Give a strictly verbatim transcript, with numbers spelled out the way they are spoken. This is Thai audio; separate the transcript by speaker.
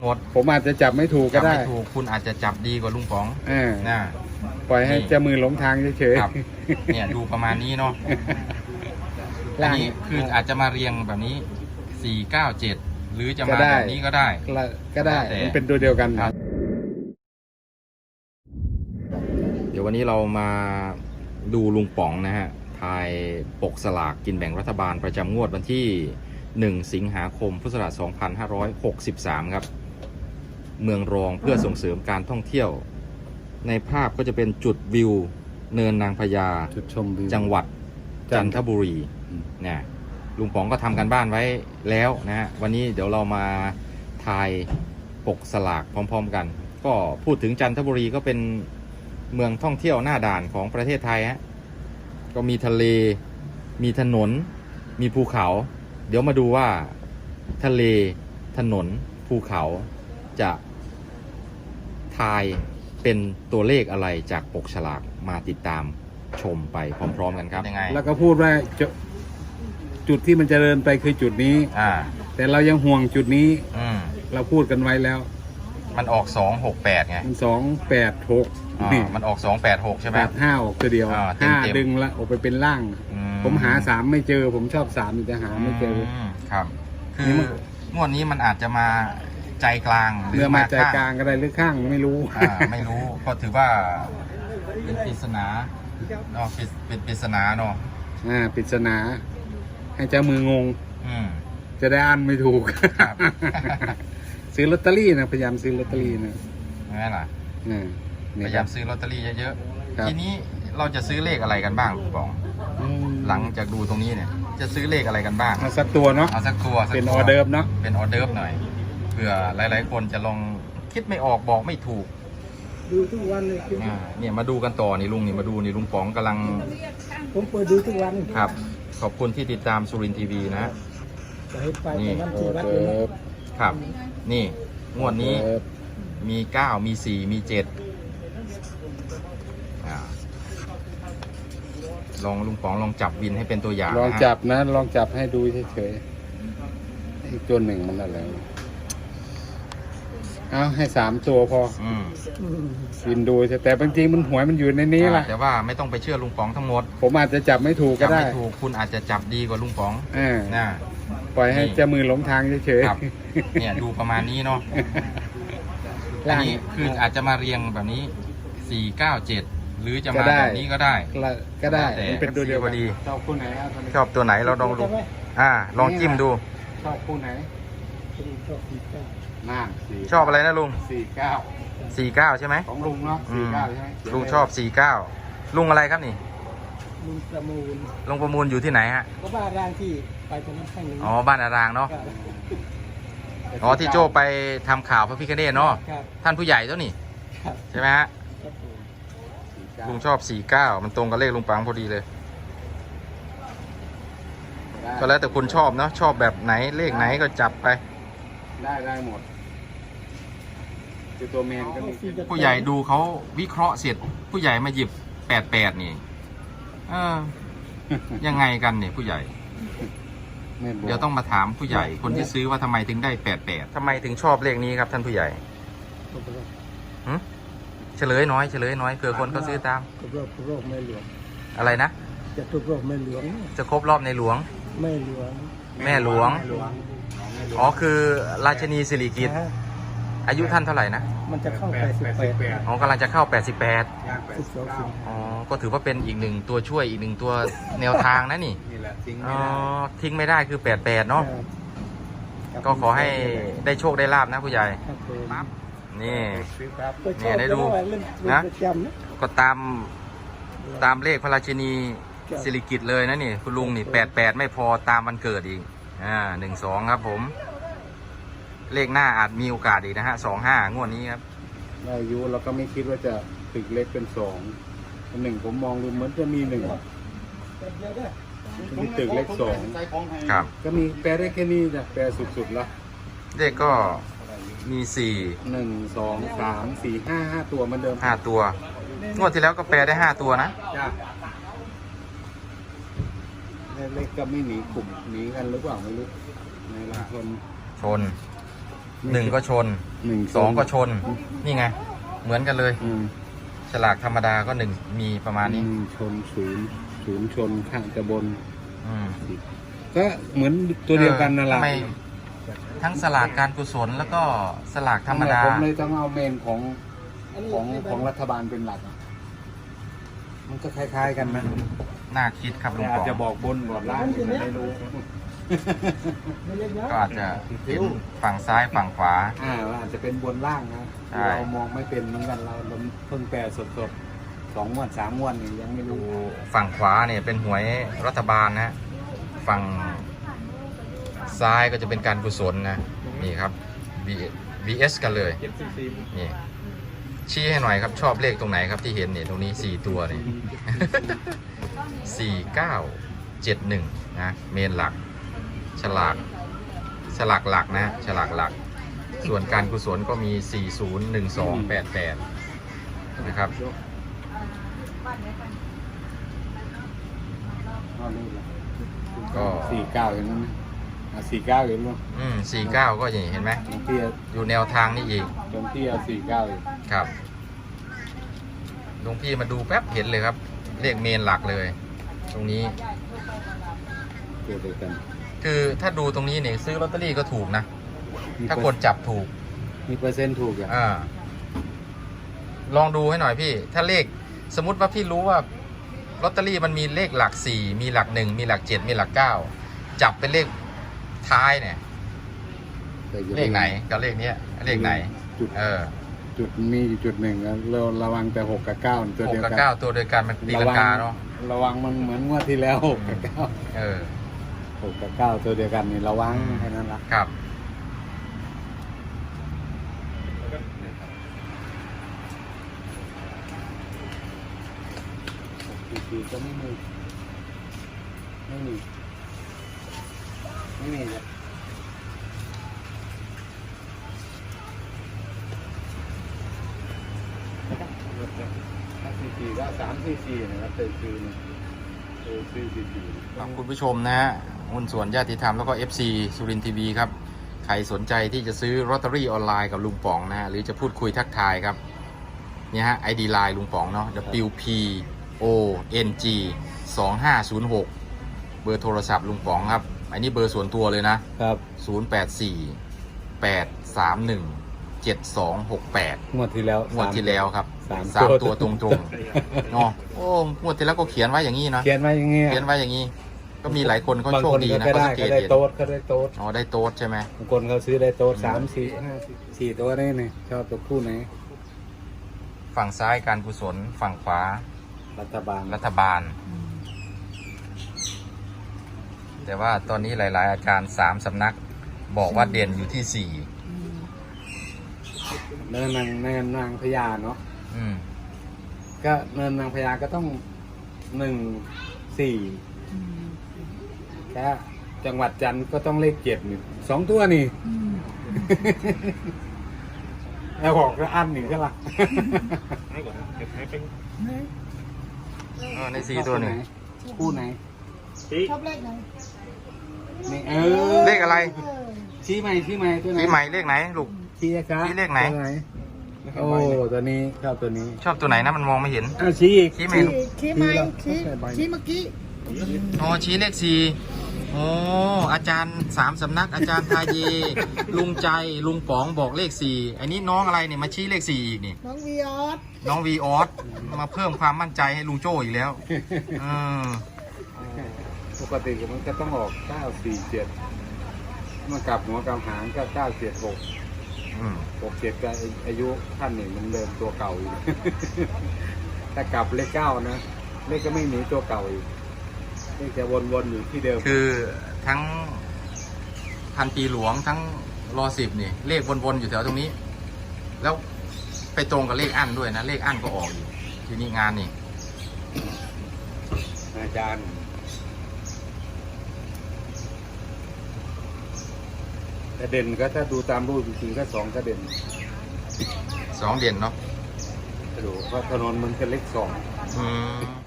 Speaker 1: หมด
Speaker 2: ผมอาจจะจับไม่ถูกก็ได้
Speaker 1: จับไม่ถูกคุณอาจจะจับดีกว่าลุงป๋องนะ
Speaker 2: ปล่อยให้เจ้ามือหลงทางเฉย
Speaker 1: ๆเนี่ยดูประมาณนี้เนาะอันนี้คืออาจจะมาเรียงแบบนี้สี่เก้าเจ็ดหรือจะมาแบบนี้ก็ได้
Speaker 2: ก็ได้มันเป็นตัวเดียวกันครับ
Speaker 1: เดี๋ยววันนี้เรามาดูลุงป๋องนะฮะทายปกสลากกินแบ่งรัฐบาลประจำงวดวันที่หนึ่งสิงหาคมพุทธศักราชสองพันห้าร้อยหกสิบสามครับเมืองรองเพื่อส่งเสริมการท่องเที่ยวในภาพก็จะเป็นจุดวิวเนินนางพญา
Speaker 2: จุดชมวิว
Speaker 1: จังหวัดจันทบุรีเนี่ยลุงป๋องก็ทำกันบ้านไว้แล้วนะฮะวันนี้เดี๋ยวเรามาทายปกสลากพร้อมๆกันก็พูดถึงจันทบุรีก็เป็นเมืองท่องเที่ยวหน้าด่านของประเทศไทยฮะก็มีทะเลมีถนนมีภูเขาเดี๋ยวมาดูว่าทะเลถนนภูเขาจะทายเป็นตัวเลขอะไรจากปกฉลากมาติดตามชมไปพร้อมๆกันครับยังไง
Speaker 2: แล้วก็พูดว่าจุดที่มันจะเดินไปคือจุดนี้
Speaker 1: อ่า
Speaker 2: แต่เรายังห่วงจุดนี้
Speaker 1: อืม
Speaker 2: เราพูดกันไว้แล้ว
Speaker 1: มันออกสองหกแปดไง
Speaker 2: มันสองแปดหก
Speaker 1: มันออกสองแปดหกใช่ไหม
Speaker 2: แปดห้าออกตัวเดียวห้าดึงละออกไปเป็นล่างผมหาสามไม่เจอผมชอบสามแต่หาไม่เจอ
Speaker 1: ครับคืองวดนี้มันอาจจะมาใจกลาง
Speaker 2: หรือมาใจกลางก็ได้หรือข้างไม่รู้
Speaker 1: ไม่รู้ก็ถือว่าเป็นปริศนาเนาะเป็นปริศนาเนาะ
Speaker 2: อ่าปริศนาให้เจ้ามืองง
Speaker 1: อืม
Speaker 2: จะได้อ่านไม่ถูกซื้อลอตเตอรี่นะพยายามซื้อลอตเตอรี่นะ
Speaker 1: นั่นแหละพยายามซื้อลอตเตอรี่เยอะๆทีนี้เราจะซื้อเลขอะไรกันบ้างคุณป๋องหลังจากดูตรงนี้เนี่ยจะซื้อเลขอะไรกันบ้าง
Speaker 2: เอาสักตัวเนาะ
Speaker 1: เอาสักตัว
Speaker 2: เป็นออเดิร์ฟเนาะ
Speaker 1: เป็นออเดิร์ฟหน่อยเผื่อหลายๆคนจะลองคิดไม่ออกบอกไม่ถูก
Speaker 2: ดูทุกวันเลย
Speaker 1: เนี่ยมาดูกันต่อนี่ลุงนี่มาดูนี่ลุงป๋องกำลัง
Speaker 2: ผมเปิดดูทุกวัน
Speaker 1: ครับขอบคุณที่ติดตามสุรินทร์ทีวีนะนี่ครับนี่งวดนี้มีเก้ามีสี่มีเจ็ดลองลุงป๋องลองจับวินให้เป็นตัวอย่าง
Speaker 2: ลองจับนะลองจับให้ดูเฉยๆอีกตัวหนึ่งมันอะไรเอาให้สามตัวพอวินดูแต่บางทีมันหวยมันอยู่ในนี้แหละ
Speaker 1: แต่ว่าไม่ต้องไปเชื่อลุงป๋องทั้งหมด
Speaker 2: ผมอาจจะจับไม่ถูกก็ได้
Speaker 1: จับไม่ถูกคุณอาจจะจับดีกว่าลุงป๋อง
Speaker 2: นะปล่อยให้เจ้ามือหลงทางเฉย
Speaker 1: ๆเนี่ยดูประมาณนี้เนาะอันนี้คืออาจจะมาเรียงแบบนี้สี่เก้าเจ็ดหรือจะมาแบบนี้ก็ได้
Speaker 2: ก็ได้เป็นตัวเดียว
Speaker 1: พอดี
Speaker 2: ชอบคู่ไหน
Speaker 1: ชอบตัวไหนเราลองดูอ่าลองจิ้มดู
Speaker 2: ชอบคู่ไหนน่า
Speaker 1: ชอบอะไรนะลุง
Speaker 2: สี่เก้า
Speaker 1: สี่เก้าใช่ไหม
Speaker 2: ของลุงเนาะสี่เก้าใช่ไหม
Speaker 1: ลุงชอบสี่เก้าลุงอะไรครับนี่
Speaker 2: ลุงประมูล
Speaker 1: ลุงประมูลอยู่ที่ไหนฮะ
Speaker 2: ก็บ้านรางที่ไปตรงนั้นแค่นึง
Speaker 1: อ๋อบ้านอารางเนาะอ๋อที่โจไปทำข่าวพระพิฆเนศเนาะท่านผู้ใหญ่ตัวนี่ใช่ไหมฮะลุงชอบสี่เก้ามันตรงกับเลขลุงปังพอดีเลยก็แล้วแต่คุณชอบเนาะชอบแบบไหนเลขไหนก็จับไป
Speaker 2: ได้ได้หมดคือตัวแมนก็มี
Speaker 1: ผู้ใหญ่ดูเขาวิเคราะห์เสร็จผู้ใหญ่มาหยิบแปดแปดนี่เออยังไงกันเนี่ยผู้ใหญ่เดี๋ยวต้องมาถามผู้ใหญ่คนที่ซื้อว่าทำไมถึงได้แปดแปดทำไมถึงชอบเลขนี้ครับท่านผู้ใหญ่เฉลยน้อยเฉลยน้อยเผื่อคนเขาซื้อตาม
Speaker 2: ครบรอบไม่หลวง
Speaker 1: อะไรนะ
Speaker 2: จะครบรอบไม่หลวง
Speaker 1: จะครบรอบในหลวง
Speaker 2: ไม่หลวง
Speaker 1: แม่หลวงอ๋อคือราชนีสิริกิติ์อายุท่านเท่าไหร่นะ
Speaker 2: มันจะเข้าแปดสิบแปด
Speaker 1: อ๋อกำลังจะเข้าแปดสิบแปดอ๋อก็ถือว่าเป็นอีกหนึ่งตัวช่วยอีกหนึ่งตัวแนวทางนะนี่อ๋อทิ้งไม่ได้คือแปดแปดเนาะก็ขอให้ได้โชคได้ลาบนะผู้ใหญ่นี่เนี่ยได้ดูนะก็ตามตามเลขพระราชินีสิริกิติ์เลยนะนี่คุณลุงนี่แปดแปดไม่พอตามวันเกิดอีกอ่าหนึ่งสองครับผมเลขหน้าอาจมีโอกาสอีกนะฮะสองห้างวดนี้ครับ
Speaker 2: อายุเราก็ไม่คิดว่าจะตึกเล็กเป็นสองหนึ่งผมมองดูเหมือนจะมีหนึ่งมีตึกเล็กสอง
Speaker 1: ครับ
Speaker 2: ก็มีแปลได้แค่นี้จ้ะแปลสุดๆแล้ว
Speaker 1: เลขก็มีสี่
Speaker 2: หนึ่งสองสามสี่ห้าห้าตัวเหมือนเดิม
Speaker 1: ห้าตัวงวดที่แล้วก็แปลได้ห้าตัวนะ
Speaker 2: เลขก็ไม่หนีกลุ่มหนีกันหรือเปล่าไม่รู้ในหลายคน
Speaker 1: ชนหนึ่งก็ชน
Speaker 2: หนึ่ง
Speaker 1: สองก็ชน นี่ไง เหมือนกันเลย
Speaker 2: อืม
Speaker 1: ฉลากธรรมดาก็หนึ่งมีประมาณนี้
Speaker 2: หงชนศูนย์ศูนย์ชนข้างจะบน
Speaker 1: อืม
Speaker 2: ก็เหมือนตัวเดียวกันนั่นแหละ
Speaker 1: ทำไมทั้งสลากการกุศลแล้วก็สลากธรรมดา
Speaker 2: ผมเลยต้องเอาเมนของของของรัฐบาลเป็นหลักอะมันก็คล้ายๆกันนะ
Speaker 1: น่าคิดครับลุ
Speaker 2: แต่
Speaker 1: ง
Speaker 2: อาจ
Speaker 1: ป๋อง
Speaker 2: จะบอกบนบอกล่างก็ไม่รู้
Speaker 1: ก็อาจจะเห็นฝั่งซ้ายฝั่งขวา
Speaker 2: อ่าอาจจะเป็นบนล่างนะ
Speaker 1: ใช่
Speaker 2: เรามองไม่เป็นเหมือนกันเราเราเพิ่งแปลสดๆสองงวดสามงวดนี่ยังไม่
Speaker 1: ดู
Speaker 2: รู้
Speaker 1: ฝั่งขวาเนี่ยเป็นหวยรัฐบาลนะ ฝั่งซ้ายก็จะเป็นการกุศลนะ นี่ครับ วี เอส กันเลย นี่ ชี้ให้หน่อยครับชอบเลขตรงไหนครับที่เห็นเนี่ยตรงนี้สี่ตัวนี่ สี่เก้าเจ็ดหนึ่งนะเมนหลัก ฉลากฉลากหลักนะฉลากหลัก ส่วนการกุศลก็มีสี่ศูนย์หนึ่งสองแปดแปดนะครับ ก็
Speaker 2: สี่เก้าเห็นไหมสี่เก้าเห็นไหม
Speaker 1: อืมสี่เก้าก็อย่างนี้เห็นไหม
Speaker 2: ตรงที่
Speaker 1: อยู่แนวทางนี้อีก
Speaker 2: ตรงที่สี่เก้า
Speaker 1: ครับหลวงพี่มาดูแป๊บเห็นเลยครับ เลขเมนหลักเลย ตรงนี้
Speaker 2: ตัวเดียวกัน
Speaker 1: คือถ้าดูตรงนี้เนี่ยซื้อลอตเตอรี่ก็ถูกนะ ถ้าคนจับถูก
Speaker 2: มีเปอร์เซ็นต์ถูกอ่ะ
Speaker 1: อ่า ลองดูให้หน่อยพี่ ถ้าเลขสมมติว่าพี่รู้ว่าลอตเตอรี่มันมีเลขหลักสี่มีหลักหนึ่งมีหลักเจ็ดมีหลักเก้าจับเป็นเลขท้ายเนี่ย เลขไหนกับเลขเนี้ยเลขไหน
Speaker 2: จุด
Speaker 1: เออ
Speaker 2: จุดมีอยู่จุดหนึ่งอะเราระวังแต่หกกับเก้าตัว
Speaker 1: หก
Speaker 2: เดียว
Speaker 1: กับ
Speaker 2: กัน
Speaker 1: เก้าตัวเดียวกันมันตีลังกาเนาะ
Speaker 2: ระวังมันเหมือนงวดที่แล้วหกกับเก้า
Speaker 1: เออ
Speaker 2: หกกับเก้าตัวเดียวกันนี่ระวังแค่นั้นละ
Speaker 1: ครับ
Speaker 2: ทีทีก็ไม่มีไม่มีไม่มีเลยถ้าทีทีก็สามทีทีนะครับเตยคือเนี่ยเตยคือทีที
Speaker 1: ขอบคุณผู้ชมนะฮะหุ้นส่วนญาติธรรมแล้วก็ เอฟ ซี สุรินทร์ทีวีครับ ใครสนใจที่จะซื้อลอตเตอรี่ออนไลน์กับลุงป๋องนะฮะหรือจะพูดคุยทักทายครับเนี่ยฮะ ไอ ดี ไลน์ลุงป๋องเนาะ ดับเบิลยู พี โอ เอ็น จี สองห้าศูนย์หก เบอร์โทรศัพท์ลุงป๋องครับ อันนี้เบอร์ส่วนตัวเลยนะ
Speaker 2: ครับ
Speaker 1: ศูนย์ แปด สี่ แปด สาม หนึ่ง เจ็ด สอง หก แปด
Speaker 2: งวดที่แล้ว
Speaker 1: งวดที่แล้วครับ
Speaker 2: สาม
Speaker 1: สาม
Speaker 2: ตั
Speaker 1: ตัว วตรงๆเนาะโอ้งวดที่แล้วก็เขียนไว้อย่างนี้นะ
Speaker 2: เขียนไว้อย่างเงี้ย
Speaker 1: เขียนไว้อย่างนี้ ก็มีหลายคนเขา
Speaker 2: บาง
Speaker 1: โชค
Speaker 2: คน
Speaker 1: ดี
Speaker 2: ก็
Speaker 1: นะ
Speaker 2: ได้
Speaker 1: เขาสังเกต
Speaker 2: ก็ได้
Speaker 1: เห็น
Speaker 2: โต๊ดก็ได้โต๊ด
Speaker 1: อ๋อได้โต๊ดใช่ไหม
Speaker 2: บางคนเขาซื้อได้โต๊ดสามสี่ห้าสี่สี่ตัวนี่นี่ชอบตัวคู่ไหน
Speaker 1: ฝั่งซ้ายการกุศลฝั่งขวา
Speaker 2: รัฐบาล
Speaker 1: รัฐบาล แต่ว่าตอนนี้หลาย ๆ อาจารย์สามสำนัก บอกว่าเด่นอยู่ที่สี่
Speaker 2: เนินนางเนินนางพญาเนาะ
Speaker 1: อืม
Speaker 2: ก็เนินนางพญาก็ต้องหนึ่งสี่ถ้าจังหวัดจันทร์ก็ต้องเลขเจ็ดนี่สองตัวนี่แล้วบอกก็อันหนึ่งก็ละ
Speaker 1: เออในสี่ตัวหนึ่ง
Speaker 2: คู่ไหน
Speaker 3: ชอบเลขไหน
Speaker 2: นี่เออ
Speaker 1: เลขอะไร
Speaker 2: ชี้ใหม่ชี้ใหม่ตัวไหน
Speaker 1: ชี้ใหม่เลขไหนลูก
Speaker 2: ชี้ครับ
Speaker 1: ชี้เลขไหน
Speaker 2: ตัวโอ้ตัวนี้ชอบตัวนี้
Speaker 1: ชอบตัวไหนนะมันมองไม่เห็น
Speaker 2: อ่ะชี้อีก
Speaker 1: ชี้ใหม่
Speaker 3: ชี้ชี้ไหมชี้ชี้เมื่อกี้
Speaker 1: อ๋อชี้เลขสี่โอ้อาจารย์สามสำนัก อาจารย์ทาเย ลุงใจลุงป๋องบอกเลขสี่อันนี้น้องอะไรเนี่ยมาชี้เลขสี่อีกนี่
Speaker 3: น้องวีออส
Speaker 1: น้องวีออสมาเพิ่มความมั่นใจให้ลุงโจ้อีกแล้วเออ
Speaker 2: ปกติมันก็ต้องออกเก้าสี่เจ็ดมากลับหัวกลับหางก็เก้าเจ็ดหก
Speaker 1: อืม
Speaker 2: หกเจ็ดก็อายุท่านหนึ่งมันเดิมตัวเก่าอยู่ ถ้ากลับเลขเก้านะเลขก็ไม่หนีตัวเก่าอีกเลขจะวนๆอยู่ที่เดิม
Speaker 1: คือทั้งพันปีหลวงทั้งรอสิบนี่ เลขวนๆอยู่แถวตรงนี้ แล้วไปตรงกับเลขอั้นด้วยนะ เลขอั้นก็ออกอยู่ทีนี้งานนี่
Speaker 2: อาจารย์แต่เด่นก็ถ้าดูตามรูปจริงๆก็สองก็เด่น
Speaker 1: สองเด่นเนาะ
Speaker 2: ดูเพราะถนนมันเป็นเลขสอง
Speaker 1: อืม